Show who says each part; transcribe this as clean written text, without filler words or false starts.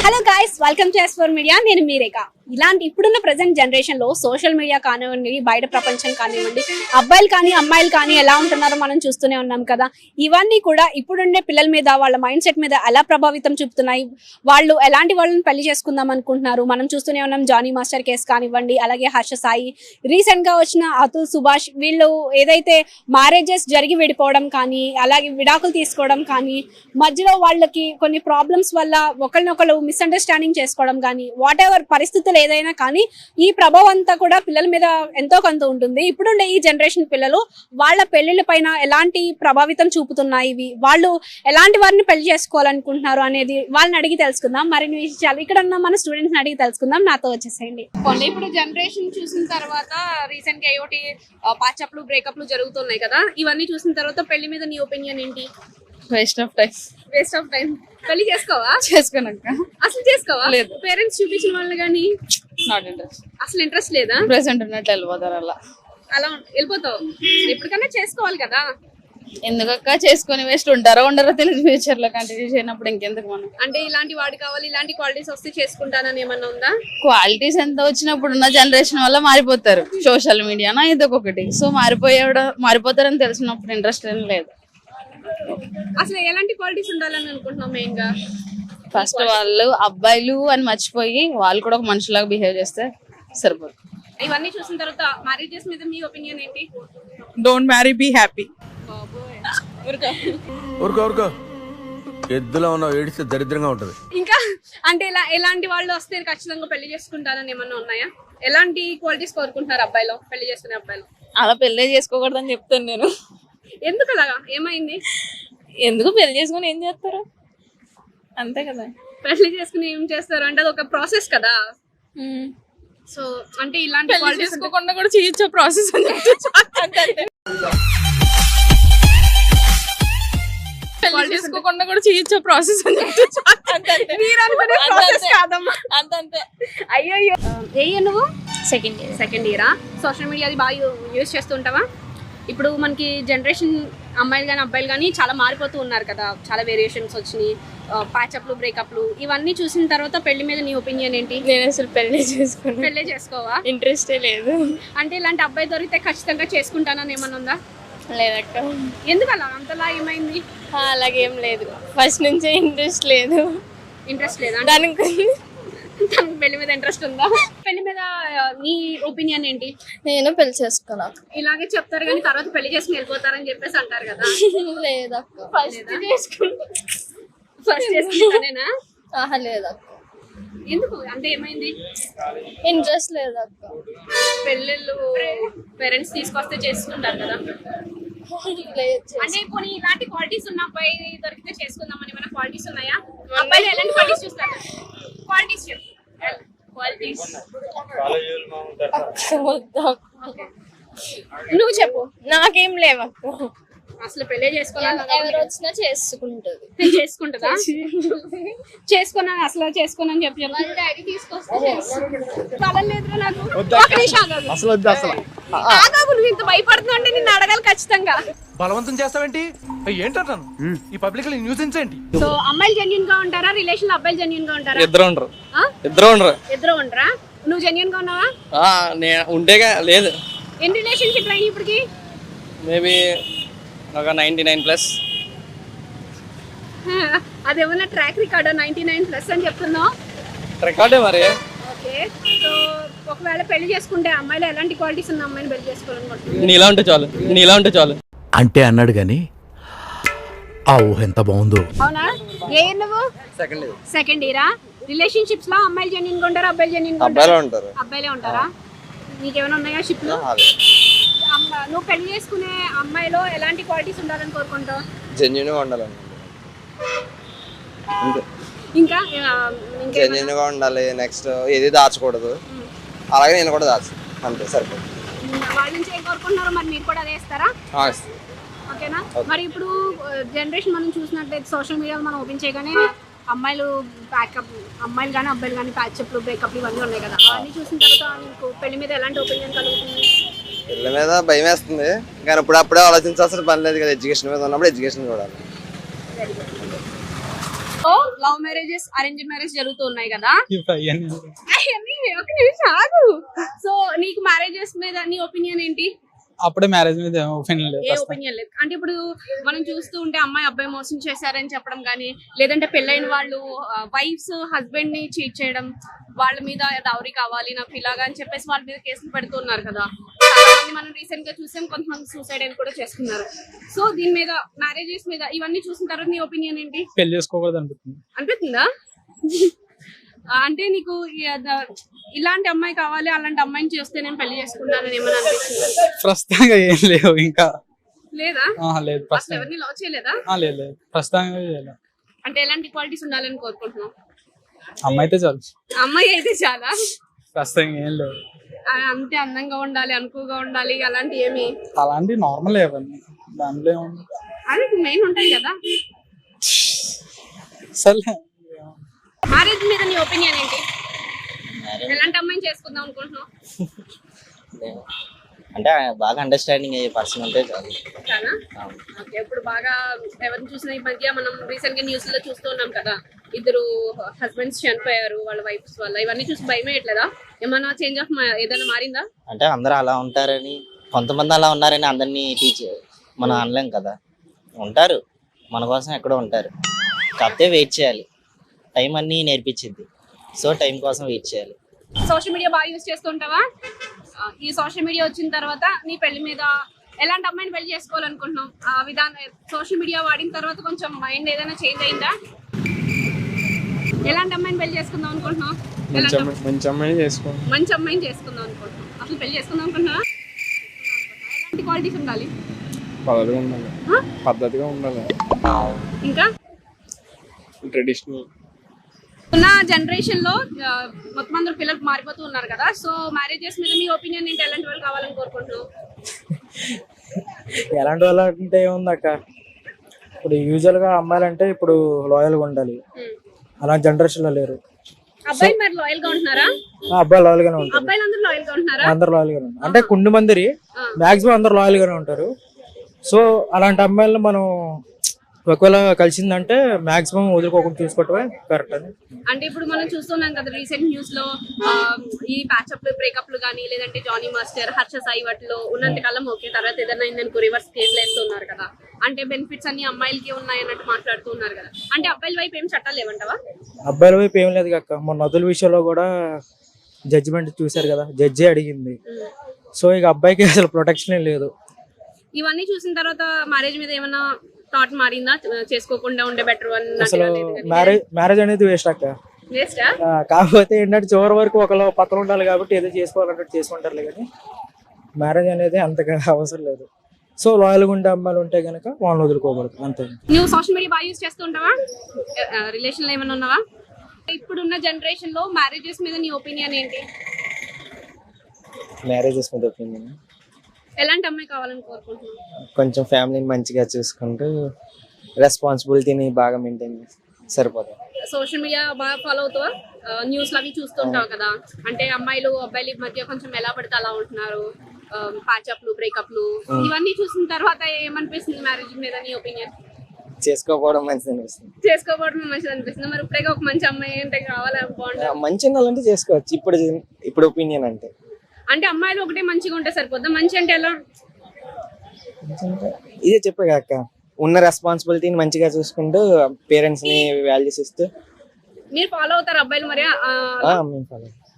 Speaker 1: Hello guys, welcome to S4 media. నేను మీ రేఖ. ఇలాంటి ఇప్పుడున్న ప్రెసెంట్ జనరేషన్ లో సోషల్ మీడియా కానివ్వండి, బయట ప్రపంచం కానివ్వండి, అబ్బాయిలు కానీ అమ్మాయిలు కానీ ఎలా ఉంటున్నారో మనం చూస్తూనే ఉన్నాం కదా. ఇవన్నీ కూడా ఇప్పుడుండే పిల్లల మీద, వాళ్ళ మైండ్ సెట్ మీద ఎలా ప్రభావితం చూపుతున్నాయి, వాళ్ళు ఎలాంటి వాళ్ళని పెళ్లి చేసుకుందాం అనుకుంటున్నారు మనం చూస్తూనే ఉన్నాం. జానీ మాస్టర్ కేసు కానివ్వండి, అలాగే హర్ష సాయి, రీసెంట్ గా వచ్చిన అతుల్ సుభాష్, వీళ్ళు ఏదైతే మ్యారేజెస్ జరిగి విడిపోవడం కానీ, అలాగే విడాకులు తీసుకోవడం కానీ, మధ్యలో వాళ్ళకి కొన్ని ప్రాబ్లమ్స్ వల్ల ఒకరినొకరు మిస్అండర్స్టాండింగ్ చేసుకోవడం కానీ, వాట్ ఎవర్ పరిస్థితులు ఏదైనా కానీ ఈ ప్రభావం అంతా కూడా పిల్లల మీద ఎంతో కొంత ఉంటుంది. ఇప్పుడుండే ఈ జనరేషన్ పిల్లలు వాళ్ళ పెళ్లిళ్ళ పైన ఎలాంటి ప్రభావితం చూపుతున్నాయి, వాళ్ళు ఎలాంటి వారిని పెళ్లి చేసుకోవాలనుకుంటున్నారు అనేది వాళ్ళని అడిగి తెలుసుకుందాం. మరిన్ని విషయాలు ఇక్కడ ఉన్న మన స్టూడెంట్స్ అడిగి తెలుసుకుందాం. నాతో వచ్చేసేయండి. ఇప్పుడు జనరేషన్ చూసిన తర్వాత రీసెంట్ గా ఏమిటి పాచప్లు బ్రేకప్లు జరుగుతున్నాయి కదా, ఇవన్నీ చూసిన తర్వాత పెళ్లి మీద నీ ఒపీనియన్ ఏంటి?
Speaker 2: Waste of time.
Speaker 1: పెళ్లి చేసుకోవా?
Speaker 2: చేసుకోనక్క.
Speaker 1: అసలు చేసుకోవా? లేదు. పేరెంట్స్ చూపించిన వాళ్ళు కానీ
Speaker 2: నాట్ ఇంట్రెస్ట్.
Speaker 1: అసలు ఇంట్రెస్ట్ లేదా?
Speaker 2: ప్రెసెంట్ ఉన్నట్లు వెళ్ళిపోతారు.
Speaker 1: అలా వెళ్ళిపోతావు. ఎప్పటికన్నా చేసుకోవాలి కదా.
Speaker 2: ఎందుకక్క చేసుకొని వేస్ట్ ఉంటారో ఉండరో తెలియదు. ఫ్యూచర్ లో కంటిన్యూ చేయనప్పుడు ఇంకెందుకు మనం.
Speaker 1: అంటే ఇలాంటి వాడు కావాలి, ఇలాంటి క్వాలిటీస్ వస్తే చేసుకుంటానని ఏమన్నా ఉందా?
Speaker 2: క్వాలిటీస్ ఎంత వచ్చినప్పుడు ఉన్న జనరేషన్ వల్ల మారిపోతారు. సోషల్ మీడియానా ఇదొకటి. సో మారిపోతారని తెలిసినప్పుడు ఇంట్రెస్ట్ ఏం లేదు.
Speaker 1: అసలు ఎలాంటి క్వాలిటీస్ ఉండాలని అనుకుంటున్నాం మెయిన్ గా?
Speaker 2: ఫస్ట్ వాళ్ళు అబ్బాయిలు అని మర్చిపోయి వాళ్ళు కూడా ఒక మనుషులాగా బిహేవ్ చేస్తే సరిపోతుంది.
Speaker 1: ఇవన్నీ చూసిన తర్వాత మ్యారేజెస్ మీద మీ ఒపీనియన్ ఏంటి?
Speaker 3: Don't marry, be happy.
Speaker 4: ఊరుకో ఎద్దులో ఉన్న ఏడిస్తే దరిద్రంగా ఉంటది.
Speaker 1: ఇంకా అంటే ఎలాంటి వాళ్ళు వస్తే ఖచ్చితంగా పెళ్లి చేసుకుంటారని ఏమన్నా ఉన్నాయా? ఎలాంటి క్వాలిటీస్ కోరుకుంటున్నారు అబ్బాయిలో, పెళ్లి చేసుకునే అబ్బాయిలు?
Speaker 2: అలా పెళ్లి చేసుకోకూడదని చెప్తాను నేను.
Speaker 1: ఎందుకు అలాగా? ఏమైంది?
Speaker 2: ఎందుకు పెళ్లి చేసుకుని ఏం చేస్తారు? అంతే కదా.
Speaker 1: పెళ్లి చేసుకుని ఏం చేస్తారు అంటే అది ఒక ప్రాసెస్ కదా. సో అంటే ఇలాంటి క్వాలిటీస్
Speaker 2: చేసుకోకుండా కూడా చేయొచ్చు ప్రాసెస్ అని చేసుకోకుండా కూడా చేయొచ్చు ప్రాసెస్ అని అంతే.
Speaker 1: అయ్యో నువ్వు
Speaker 2: సెకండ్
Speaker 1: ఇయరా? సోషల్ మీడియా అది బాగా యూజ్ చేస్తుంటావా? ఇప్పుడు మనకి జనరేషన్ అమ్మాయిలు కానీ అబ్బాయిలు కానీ చాలా మారిపోతూ ఉన్నారు కదా, చాలా వేరియేషన్స్ వచ్చినాయి, ప్యాచప్లు బ్రేకప్లు, ఇవన్నీ చూసిన తర్వాత పెళ్లి మీద నీ ఒపీనియన్ ఏంటి?
Speaker 2: నేను అసలు పెళ్లి
Speaker 1: చేసుకోవా?
Speaker 2: ఇంట్రెస్టే లేదు.
Speaker 1: అంటే ఇలాంటి అబ్బాయి దొరికితే ఖచ్చితంగా చేసుకుంటానని ఏమన్నా ఉందా?
Speaker 2: లేదక్క.
Speaker 1: ఎందుకు అలా? అంతలా ఏమైంది?
Speaker 2: అలాగేం లేదు, ఫస్ట్ నుంచే ఇంట్రెస్ట్ లేదా?
Speaker 1: దానికి పెళ్లి మీద ఇంట్రెస్ట్ ఉందా? పెళ్లి మీద నీ ఒపీనియన్ ఏంటి?
Speaker 2: నేను పెళ్లి చేసుకున్నా.
Speaker 1: ఇలాగే చెప్తారు కానీ తర్వాత పెళ్లి చేసుకుని వెళ్ళిపోతారని చెప్పేసి అంటారు కదా.
Speaker 2: లేదక్క, ఫస్ట్
Speaker 1: చేసుకుంటానేనా?
Speaker 2: లేదక్క.
Speaker 1: ఎందుకు అంటే ఏమైంది?
Speaker 2: ఇంట్రెస్ట్ లేదక్క.
Speaker 1: పెళ్ళిళ్ళు పేరెంట్స్ తీసుకొస్తే చేసుకుంటారు కదా. అంటే ఇప్పుడు ఇలాంటి క్వాలిటీస్ ఉన్న అబ్బాయి దొరికితే చేసుకుందామని ఏమైనా క్వాలిటీస్ ఉన్నాయా? అబ్బాయిలు ఎలాంటి క్వాలిటీస్ చూస్తారు? క్వాలిటీస్ నువ్వు చెప్పు.
Speaker 2: నాకేం లేవక్క.
Speaker 1: అసలు పెళ్లి చేసుకోవాలని
Speaker 2: ఎవరు వచ్చినా చేసుకుంటది.
Speaker 1: చేసుకుంటుందా? చేసుకున్నా అసలు చేసుకోనని చెప్పి
Speaker 2: డాడీ తీసుకొస్తే
Speaker 1: లేదురా నాకు. ఒక నిమిషం నువ్వు ఇంత భయపడుతున్నావు అంటే నిన్ను అడగాలి ఖచ్చితంగా.
Speaker 4: బలవంతం చేస్తావేంటి? ఏంటంటాను ఈ పబ్లిక్ న్యూసెన్స్ ఏంటి?
Speaker 1: సో అమ్మాయిలు జెన్యూన్ గా ఉంటారా, రిలేషన్ లో అబ్బాయిలు జెన్యూన్ గా ఉంటారా?
Speaker 5: ఇద్దరు ఉండరా?
Speaker 1: నువ్వు జెన్యూన్ గా ఉన్నావా?
Speaker 5: ఉంటేగా లేదు.
Speaker 1: ఎన్ని రిలేషన్షిప్ అయినాయి ఇప్పటికి?
Speaker 5: మేబీ ఒక 99+.
Speaker 1: అదేమన్నా ట్రాక్ రికార్డ్ 99+ అని చెప్తున్నావు?
Speaker 5: రికార్డే మరి.
Speaker 1: ఓకే, సో ఒకవేళ పెళ్లి చేసుకుంటే అమ్మాయిలో ఎలాంటి క్వాలిటీస్ ఉన్న అమ్మాయిని పెళ్లి చేసుకోవాలనుకుంటున్నాను?
Speaker 5: నీలా ఉంటే చాలు
Speaker 4: అంటే అన్నాడు గాని ఆ ఊహ ఎంత బాగుందో.
Speaker 1: అవునా? ఏ నువ్వు? సెకండ్ ఇయరా? రిలేషన్షిప్స్ లో అమ్మాయిలు జెన్యూన్ గా ఉంటారా, అబ్బాయిలు జెన్యూన్ గా ఉంటారా? అబ్బాయిలే ఉంటారా? నీకేమైనా ఉన్నాయా షిప్ లో? నువ్వు పెళ్లి చేసుకునే అమ్మాయిలో ఎలాంటి క్వాలిటీస్ ఉండాలని కోరుకుంటావు?
Speaker 6: జెన్యూన్ గా ఉండాలని.
Speaker 1: ఇంకా
Speaker 6: జెన్యూన్ గా ఉండాలి. నెక్స్ట్ ఏది దాచకూడదు. అలాగే నేను కూడా దాచు, అంతే సరిపోతుంది.
Speaker 1: వాళ్ళ నుంచి ఏం కోరుకుంటున్నారో మరి మీరు కూడా అదే ఇస్తారా? ఓకేనా? మరి ఇప్పుడు జనరేషన్ మనం చూసినట్లయితే సోషల్ మీడియాలో మనం ఓపెన్ చేయగానే అమ్మాయిలు కానీ అబ్బాయిలు కానీ ప్యాచప్లు బ్రేకప్లు ఇవన్నీ ఉన్నాయి కదా, అవన్నీ చూసిన తర్వాత మీకు పెళ్లి మీద ఎలాంటి ఒపీనియన్ కలుగుతుంది?
Speaker 6: పిల్లల మీద భయం వేస్తుంది, కానీ అప్పుడే ఆలోచించాల్సిన పని లేదు కదా. ఎడ్యుకేషన్ మీద ఉన్నప్పుడు ఎడ్యుకేషన్ చూడాలి.
Speaker 1: లవ్ మ్యారేజెస్, అరేంజ్ మ్యారేజ్ జరుగుతూ ఉన్నాయి కదా.
Speaker 7: ఇవన్నీ
Speaker 1: అవన్నీ ఒక నిమిషం ఆగు. సో నీకు మ్యారేజెస్ మీద నీ ఒపీనియన్ ఏంటి?
Speaker 7: అప్పుడే మ్యారేజ్ మీద ఒపీనియన్ లేదు
Speaker 1: ఏ ఒపీనియన్ లేదు అంటే ఇప్పుడు మనం చూస్తూ ఉంటే అమ్మాయి అబ్బాయి మోసం చేశారని చెప్పడం కానీ, లేదంటే పెళ్ళైన వాళ్ళు వైఫ్స్ హస్బెండ్ ని చీట్ చేయడం, వాళ్ళ మీద డౌరీ కావాలి నాకు ఇలాగా అని చెప్పేసి వాళ్ళ మీద కేసులు పెడుతున్నారు కదా. చాలా మంది మనం రీసెంట్ గా చూసాం, కొంతమంది సూసైడ్ అని కూడా చేసుకున్నారు. సో దీని మీద మ్యారేజెస్ మీద ఇవన్నీ చూసిన తర్వాత నీ ఒపీనియన్ ఏంటి?
Speaker 7: పెళ్లి చేసుకోకూడదు అనిపిస్తుంది.
Speaker 1: అనిపిస్తుందా? అంటే నీకు ఇలాంటి అమ్మాయి కావాలి, అలాంటి అమ్మాయిని చేస్తే నేను పెళ్లి చేసుకుంటానని ఏమైనా అనిపిస్తుందా?
Speaker 7: ప్రస్తుతంగా ఏం లేవు ఇంకా.
Speaker 1: లేదా?
Speaker 7: లేదు
Speaker 1: అసలు
Speaker 7: ప్రస్తుతం.
Speaker 1: ఎవరిని లవ్ చేయలేదా?
Speaker 7: లేదు ప్రస్తుతంగా లేదు.
Speaker 1: అంటే ఎలాంటి క్వాలిటీస్ ఉండాలని కోరుకుంటున్నావు?
Speaker 7: అమ్మాయి అయితే చాలు.
Speaker 1: అమ్మాయి అయితే చాలా
Speaker 7: ప్రస్తుతం ఏం లేవు.
Speaker 1: అంతే అందంగా ఉండాలి, అనుకువగా ఉండాలి, అలాంటి ఏమి?
Speaker 7: అలాంటి నార్మల్ ఏవన్నీ దాంట్లో ఏముంది.
Speaker 1: అదే మెయిన్ ఉంటాయి కదా.
Speaker 7: సర్లే.
Speaker 1: మ్యారేజ్ మీద నీ ఒపీనియన్ ఏంటి? ఎలాంటి అమ్మాయిని చేసుకుందాం అనుకుంటున్నావు?
Speaker 8: అంటే బాగా అండర్స్టాండింగ్ అయ్యే పర్సన్ ఉంటే చాలు.
Speaker 1: చాలా ఓకే. ఇప్పుడు బాగా ఎవరిని చూసినా ఈ మధ్య మనం రీసెంట్ గా న్యూస్ లో చూస్తూ ఉన్నాం కదా, ఇద్దరు హస్బెండ్స్ చనిపోయారు వాళ్ళ వైఫ్స్ వల్ల. ఇవన్నీ చూసి భయం వేయట్లేదా? ఏమైనా చేంజ్ ఆఫ్ ఏదైనా మారిందా?
Speaker 8: అంటే అందరూ అలా ఉంటారని, కొంతమంది అలా ఉన్నారని అందరినీ మనం అనలేం కదా. ఉంటారు, మన కోసం ఎక్కడో ఉంటారు. కాకపోతే వెయిట్ చేయాలి, టైం అన్నీ నేర్పించింది. సో టైం కోసం వెయిట్ చేయాలి.
Speaker 1: సోషల్ మీడియా బాగా యూజ్ చేస్తుంటావా? ఈ సోషల్ మీడియా వచ్చిన తర్వాత నీ పెళ్లి మీద ఎలాంటి అమ్మాయిని పెళ్లి చేసుకోవాలనుకుంటున్నావు? ఆ విధానం సోషల్ మీడియా వాడిన తర్వాత కొంచెం మైండ్ ఏదైనా చేంజ్ అయిందా? ఎలాంటి అమ్మాయిని పెళ్లి చేసుకుందాం అనుకుంటున్నావు?
Speaker 7: మంచి అమ్మాయిని చేసుకో.
Speaker 1: మంచి అమ్మాయిని చేసుకుందాం అనుకుంటున్నావు. అసలు పెళ్లి చేసుకుందాం అనుకుంటున్నావా? ఎలాంటి క్వాలిటీస్ ఉండాలి?
Speaker 7: పద్ధతిగా ఉండాలి.
Speaker 1: ఇంకా
Speaker 7: ట్రెడిషనల్.
Speaker 1: ఉన్న జనరేషన్ లో మొత్తం అందరూ పిల్లలు మారిపోతూ ఉన్నారు కదా. సో మ్యారేజెస్ మీద మీ ఒపీనియన్ ఏంటి? ఎలాంటి వాళ్ళు కావాలని కోరుకుంటున్నావు?
Speaker 9: ఎలాంటి వాళ్ళు అంటే ఏముంది అక్క, ఇప్పుడు యూజువల్ గా అమ్మాయిలు అంటే ఇప్పుడు లాయల్ గా ఉండాలి. అలాంటి జనరేషన్ లో లేరు.
Speaker 1: అబ్బాయిలు మరి లాయల్ గా ఉంటున్నారా?
Speaker 9: అబ్బాయిలు లాయల్ గానే ఉంటారు.
Speaker 1: అబ్బాయిలు అందరూ లాయల్ గా ఉంటున్నారా?
Speaker 9: అందరు లాయల్ గానే ఉంటారు. అంటే కొన్ని మంది మాక్సిమం అందరు లాయల్ గానే ఉంటారు. సో అలాంటి అమ్మాయిలను మనం ఒకవేళ కలిసిందంటే మాక్సిమం వదులుకోకుండా చూసుకోవటమే కరెక్ట్ అని.
Speaker 1: అంటే ఇప్పుడు మనం చూస్తున్నాం కదా రీసెంట్ న్యూస్ లో ఈ ప్యాచప్లు బ్రేకప్లు కానీ, లేదంటే జానీ మాస్టర్, హర్ష సాయి వాటిలో ఉన్నంత కాలం ఓకే, తర్వాత ఏదైనా అయిందనుకో రివర్స్ కేసులు వేస్తున్నారు కదా. అంటే బెనిఫిట్స్ అన్ని అమ్మాయిలకి ఉన్నాయి అన్నట్టు మాట్లాడుతున్నారు కదా. అంటే అబ్బాయిల వైపు ఏం చట్టాలు లేవంటావా?
Speaker 9: అబ్బాయిల వైపు ఏం లేదు కాక, మొన్న నదుల విషయంలో కూడా జడ్జిమెంట్ చూసారు కదా, జడ్జి అడిగింది. సో ఇక అబ్బాయికి అసలు ప్రొటెక్షన్ లేదు.
Speaker 1: ఇవన్నీ చూసిన తర్వాత మ్యారేజ్ మీద ఏమైనా థాట్ మారిందా? చేసుకోకుండా ఉండే బెటర్
Speaker 9: అసలు మ్యారేజ్ అనేది వేస్ట్ అక్క.
Speaker 1: వేస్టా?
Speaker 9: కాకపోతే ఏంటంటే చివరి వరకు ఒకళ్ళు పక్కన ఉండాలి కాబట్టి ఏదో చేసుకోవాలంటే చేసుకుంటారులే, కానీ మ్యారేజ్ అనేది అంతగా అవసరం లేదు. సో లాయల్గా ఉండే అమ్మాయిలు ఉంటే కనుక వాళ్ళని వదులుకోకూడదు, అంతే.
Speaker 1: నువ్వు సోషల్ మీడియా బాగా యూజ్ చేస్తుంటావా? రిలేషన్ లో ఏమైనా ఉన్నావా? ఇప్పుడున్న జనరేషన్ లో మ్యారేజెస్ మీద నీ ఒపీనియన్ ఏంటి?
Speaker 8: మ్యారేజెస్ మీద ఒపీనియన్,
Speaker 1: ఎలాంటి అమ్మాయి కావాలని కోరుకుంటున్నావు?
Speaker 8: కొంచెం ఫ్యామిలీని మంచిగా చూసుకుంటూ రెస్పాన్సిబిలిటీని బాగా మెయింటైన్ చేసి సరిపోతుంది.
Speaker 1: సోషల్ మీడియా బాగా ఫాలో అవుతావా? న్యూస్ అవి చూస్తుంటావు కదా. అంటే అమ్మాయిలు అబ్బాయిల మధ్య కొంచెం ఎలా పడితే అలా ఉంటున్నారు, ప్యాచప్లు బ్రేకప్లు, ఇవన్నీ చూసిన తర్వాత ఏమనిపిస్తుంది మ్యారేజ్ మీద నీ ఒపీనియన్?
Speaker 8: చేసుకోకపోవడం మంచిది అనిపిస్తుంది.
Speaker 1: చేసుకోకపోవడం మంచిది అనిపిస్తుంది. మరి ఇప్పుడే ఒక మంచి అమ్మాయి అంటే కావాలా? బాగుంటుంది.
Speaker 8: మంచి వాళ్ళంటే చేసుకోవచ్చు. ఇప్పుడు ఒపీనియన్
Speaker 1: అంటే అమ్మాయిలు ఒకటే మంచిగా ఉంటే సరిపోద్దా? మంచి అంటే ఎలా?
Speaker 8: ఇదే చెప్పే కాక, ఉన్న రెస్పాన్సిబిలిటీని మంచిగా చూసుకుంటూ పేరెంట్స్ ని వాల్యూస్ ఇస్తూ.
Speaker 1: మీరు ఫాలో అవుతారు అబ్బాయిలు మరి?
Speaker 8: మేము ఫాలో